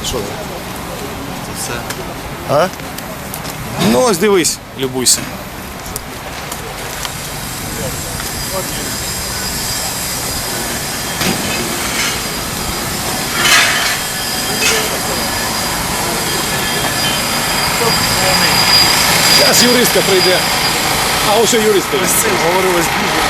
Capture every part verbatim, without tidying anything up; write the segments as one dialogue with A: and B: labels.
A: Що це?
B: Це все.
A: А? Ну ось дивись, любуйся. Зараз юристка прийде. А ось що юристка.
B: Ось цим говорилось дуже.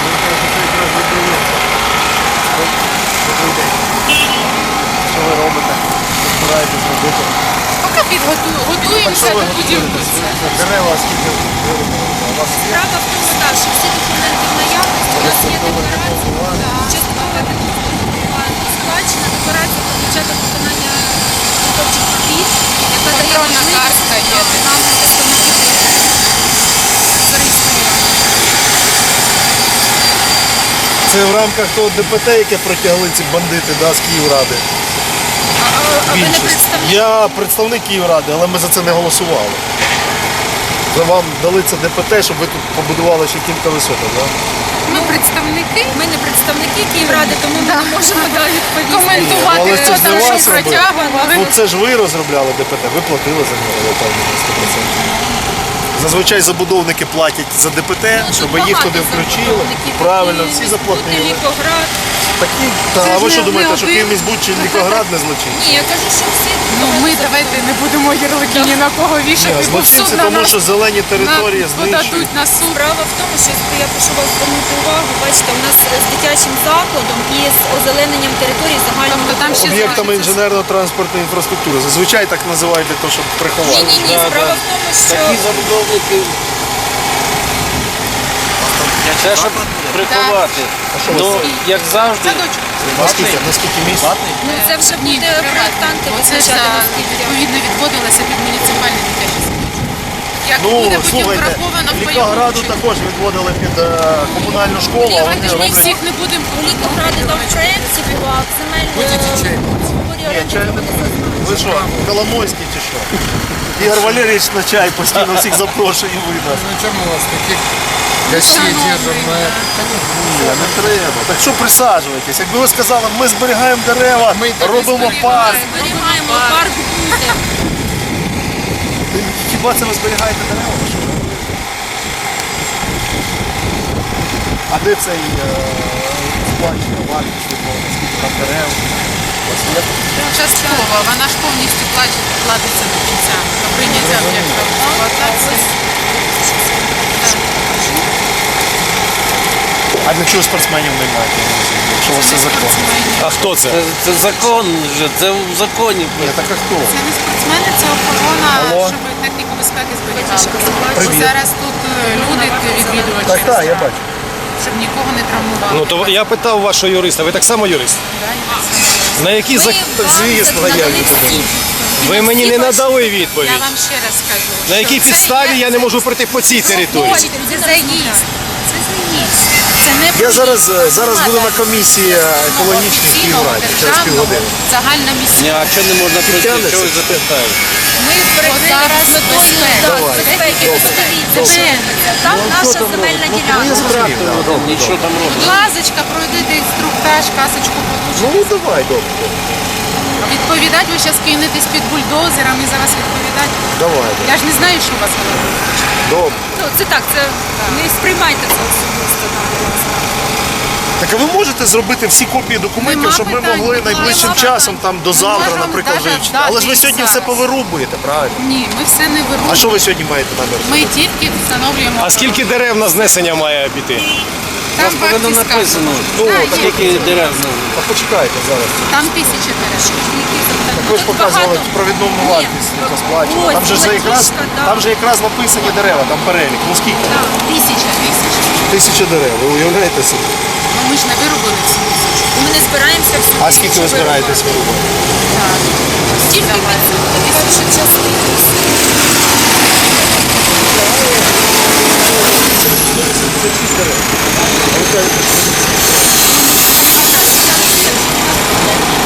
B: Що ви робите? Збираєтесь робити?
C: Поки підготуємо, готуємося до будівництва.
B: Дерева скільки виробили? У вас є?
D: Справа в тому, так, що всі документи в наявності, у нас є декларація, часткова складчина, декларація про початок виконання підготовчих робіт, яка дає
C: Контрольна
D: можливість
C: картка є.
D: нам представників зареєструвати.
A: Це в рамках того ДПТ, яке протягли ці бандити, да, з Київради.
D: А, а, а ви не
A: Більшість.
D: представник?
A: Я представник Київради, але ми за це не голосували. За вам дали це ДПТ, щоб ви тут побудували ще кілька висоток, так?
C: Ми представники.
D: Ми не представники Київради, тому ми не можемо далі відповісти.
C: Коментувати,
A: Але це ж
C: хто
A: не
C: там
A: вас
C: що
A: робив.
C: протягували.
A: Ну це ж ви розробляли ДПТ, ви платили за нього, я впевнений, сто відсотків. Зазвичай забудовники платять за ДПТ,
D: Ну,
A: щоб
D: тут
A: їх
D: багато
A: туди включили.
D: забудовників,
A: Правильно,
D: які
A: всі
D: Інститут,
A: заплатили.
D: Лікоград.
A: Такі, та,
C: Це
A: а
C: ж
A: ви що
C: не-
A: думаєте,
C: не
A: що
C: один.
A: Київміськбуд чи Лікоград не злочинці?
D: Ні, я кажу, що всі.
C: Ну ми давайте не будемо ярлики ні на кого вішати, бо в суд
A: Злочинці,
C: на
A: тому
C: нас
A: що зелені території
C: на-
A: знищують.
C: подадуть на суд.
D: Справа в тому, що я прошу вас звернути увагу, бачите, у нас з дитячим закладом і з озелененням території загального.
C: Тобто там ще
A: Об'єктами
C: залишиться-
A: інженерно-транспортної інфраструктури. Зазвичай так називають для того, щоб
D: Ні,
A: приховати.
D: ні, ні, справа в тому, що
B: Такі забудовники. Це щоб приховати. Ну, як завжди.
C: Садочок.
A: Наскільки, наскільки місць?
D: ну, це вже
C: Ні,
D: буде
C: приватний.
D: проєктанти
C: Бо це
D: визначати,
C: за-
D: наскільки.
C: відповідно відводилося під муніципальний дитячий садочок. Як
A: Ну,
C: буде потім
A: слухайте,
C: враховано в
A: Лікограду
C: бойову
A: також відводили під е, комунальну школу, а вони
C: Ми
A: роблять...
C: всіх не будемо
D: У Лікограді там в проєкті була земельна
A: Ні, чай не ви що, Коломойський чи що? Ігор Валерійович на чай постійно всіх запрошує і видно.
E: Зачем мы вас таких гостей держим на это?
A: Ні, не треба. Так що присаджуйтесь? Якби ви сказали, ми зберігаємо дерева,
E: Ми так і
A: робимо парк.
D: Зберігаємо парк буде.
A: Хіба це ви зберігаєте дерева? чи що? А де цей е, сплачена вартість відмовлена? Скільки там дерев? У вас є?
C: частково, вона ж повністю платить, платиться до кінця, до прийняття об'єкта в експлуатацію.
A: А для чого спортсменів немає? Я не розумію, якщо у вас це закон. А хто це?
B: Це, це закон вже, це в законі.
A: Ні, так а хто?
C: Це не спортсмени, це охорона,
A: Алло.
C: щоб техніку безпеки зберігали. Бо
A: Привіт.
C: зараз тут е, люди, відвідувачі,
A: Так, так, я бачу.
C: щоб нікого не травмували.
F: Ну то я питав вашого юриста, ви так само юрист? На який зак...
A: Звісно, я відповідаю.
F: Ви мені не надали
C: Я
F: відповідь.
C: вам ще раз скажу.
F: На
C: що
F: якій
C: це
F: підставі
C: є-
F: я не можу пройти по цій території?
C: Це заїзд. Це заїзд. Це не
A: Я
C: проїзд.
A: зараз, е, зараз буду на
C: Це
A: комісії екологічних в Київраді через півгодини.
C: Загальна місця.
B: Ні, а що не можна пройти?
A: Тягнеться?
B: Чого ви запитаєте?
D: Ми перекрили
C: зараз
D: з метою
A: Давай.
D: безпеки. Подивіться, що там
A: Ну,
D: наша
A: що там
D: земельна
A: робить? Ну, я
D: ділянка.
A: зрозумів, да.
B: Нічого там робити.
C: Лазочка, пройдете інструктаж, касочку получите.
A: Ну давай, добре.
C: Відповідати ви зараз кинетесь під бульдозером і за вас відповідати.
A: Давай,
C: Я ж не знаю, що у вас в голові.
A: добре.
D: Ну, це так, це не сприймайте це особисто.
A: Так а ви можете зробити всі копії документів,
C: Нема
A: щоб ми
C: питань,
A: могли
C: нема
A: найближчим
C: питань.
A: часом, там до
C: Ми
A: завтра,
C: можемо
A: наприклад,
C: даже
A: вивчити.
C: дати
A: Але ж ви
C: їх
A: сьогодні все
C: зараз.
A: повирубуєте, правильно?
C: Ні, ми все не
A: А
C: вирушуємо.
A: що ви сьогодні маєте намір?
C: Ми тільки встановлюємо.
F: А скільки дерев на знесення має піти?
B: У вас
C: Там
B: повинно
C: вартість
B: написано,
C: сказана.
A: Ну,
C: Да,
A: так
C: є.
B: скільки дерев знову.
A: А почекайте зараз.
C: Там тисяча дерев.
A: Так ви ж показували провідному вартість, яка сплачена.
D: Ось,
A: Там же ж якраз,
D: платіжка, да.
A: там же якраз написані дерева, там перелік. Ну скільки?
C: Тисяча, тисяча.
A: Тисяча дерев, ви уявляєте собі?
C: Ну ми ж не виробили всі тисячу.
D: Ми не збираємося всю
A: А скільки ви збираєтесь вирубати?
C: Так.
D: Тільки перша частина.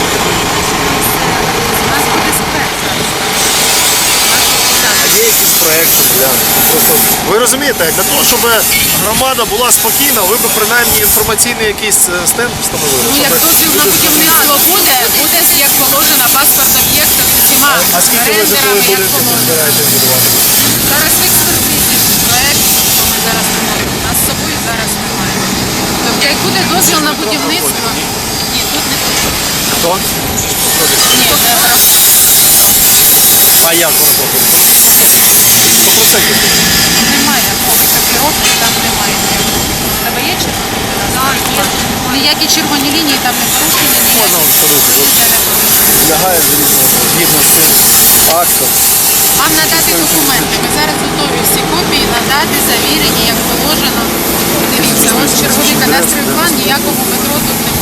C: У нас буде спец зараз.
A: Є якісь проєкт глянути. Просто ви розумієте, для того, щоб громада була спокійна, ви б принаймні інформаційний якийсь е, стенд встановили.
C: Ну,
A: щоб
C: як дозвіл на
A: люди знали.
C: будівництво буде, буде як положено паспорт об'єкта з усіма
A: А скільки ви житлових
C: рендерами, як
A: будинків
C: положено.
A: збираєтесь будувати?
C: Зараз в експертизі проект, то ми зараз не можемо. У нас з собою зараз немає. Тобто, як буде дозвіл на будівництво, ні, тут не потрібно.
A: Хто?
C: Ні,
A: А як ви робите?
C: немає блокировки, там немає. У тебе є червоні? Так, є. Ніякі червоні лінії там не порушені, ніякі.
A: Лягає згідно з цим актом.
C: Вам надати документи. Ми зараз готові всі копії надати, завірені, як положено. Дивіться, ось черговий кадастровий план, ніякого метро тут немає.